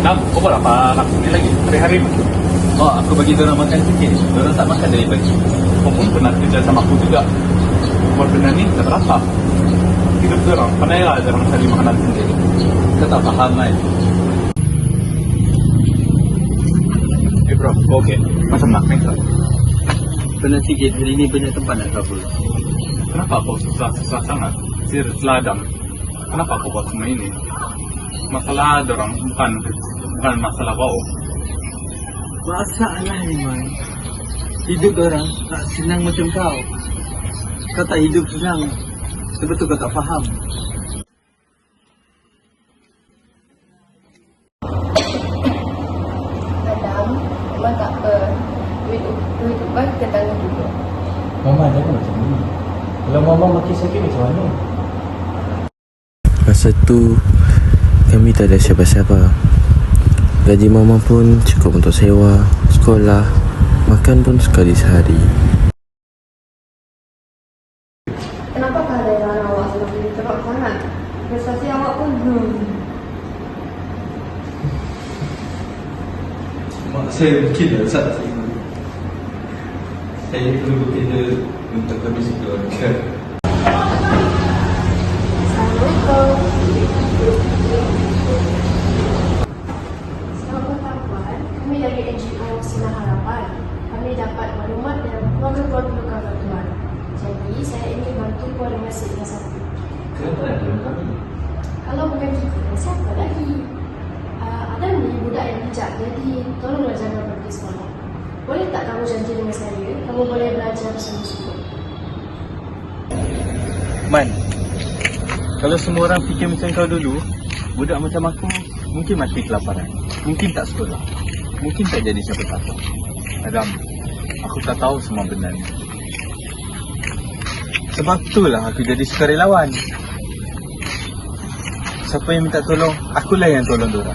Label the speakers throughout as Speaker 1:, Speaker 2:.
Speaker 1: Adam, kau buat apa anak ni lagi? Hari-hari
Speaker 2: Oh, aku bagi diorang makan sikit. Diorang tak makan dari pagi.
Speaker 1: kau pun pernah kerja sama aku juga. Umur benda ni dah berapa? Hidup orang, pandai lah orang cari makanan sendiri.
Speaker 2: Kau tak faham kan?
Speaker 1: Bro, okey. Macam nak minta.
Speaker 2: Pernah sikit, hari ni banyak tempat nak kabur.
Speaker 1: Kenapa kau susah sangat? Sir seladang. Kenapa kau buat semua ini? Masalah orang bukan masalah kau.
Speaker 2: Masalah ni, Man. Hidup orang tak senang macam kau. Kau tak hidup senang. Betul kau tak faham.
Speaker 3: Adam, memang tak apa. Duit upah kita tanggung dulu.
Speaker 4: Mama jangan macam ni. Kalau Mama makin sakit macam mana?
Speaker 5: Masa tu kami tak ada siapa-siapa. Gaji Mama pun cukup untuk sewa, sekolah, makan pun sekali sehari.
Speaker 3: Kenapa kehadiran awak semakin teruk sangat? Prestasi awak pun
Speaker 4: Mak saya mungkin dah tak terima. Saya perlu bekerja untuk kondisi keluarga.
Speaker 3: Assalamualaikum. Selamat petang Puan. Kami dari NGO Sinar Harapan. Kami dapat maklumat dari keluarga-keluarga luka bantuan. Jadi saya ingin bantu Puan dengan satu.
Speaker 4: Kenapa nak tolong kami?
Speaker 3: Kalau bukan kita, siapa lagi? Adam ni budak yang bijak, jadi tolonglah jaga pergi sekolah. Boleh tak kamu janji dengan saya, kamu boleh belajar bersama-sama?
Speaker 2: Man, kalau semua orang fikir macam kau dulu, budak macam aku mungkin mati kelaparan. Mungkin tak sekolah. Mungkin tak jadi siapa-siapa. Adam, aku tak tahu semua benda ni. Sebab itulah aku jadi sukarelawan. Siapa yang minta tolong, akulah yang tolong diorang.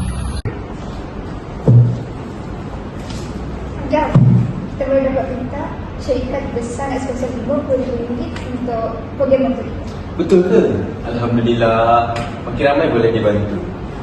Speaker 3: Adam, kita boleh dapat minta syarikat besar ekspensif RM50,000 untuk program itu.
Speaker 4: Betul ke? Alhamdulillah. Makin ramai boleh dibantu.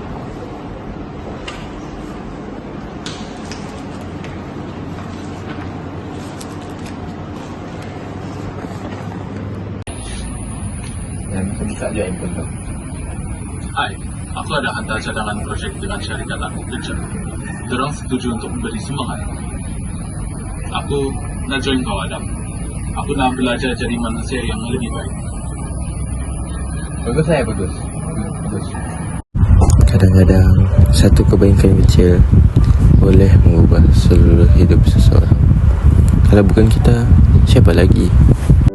Speaker 2: Dan aku buka je handphone tu.
Speaker 1: Hai, aku ada hantar cadangan projek dengan syarikat aku kerja. Diorang setuju untuk memberi sumbangan. Aku nak join kau, Adam. Aku nak belajar jadi manusia yang lebih baik.
Speaker 2: Bagus saya, bagus. Bagus.
Speaker 5: Kadang-kadang satu kebaikan kecil boleh mengubah seluruh hidup seseorang. Kalau bukan kita, siapa lagi?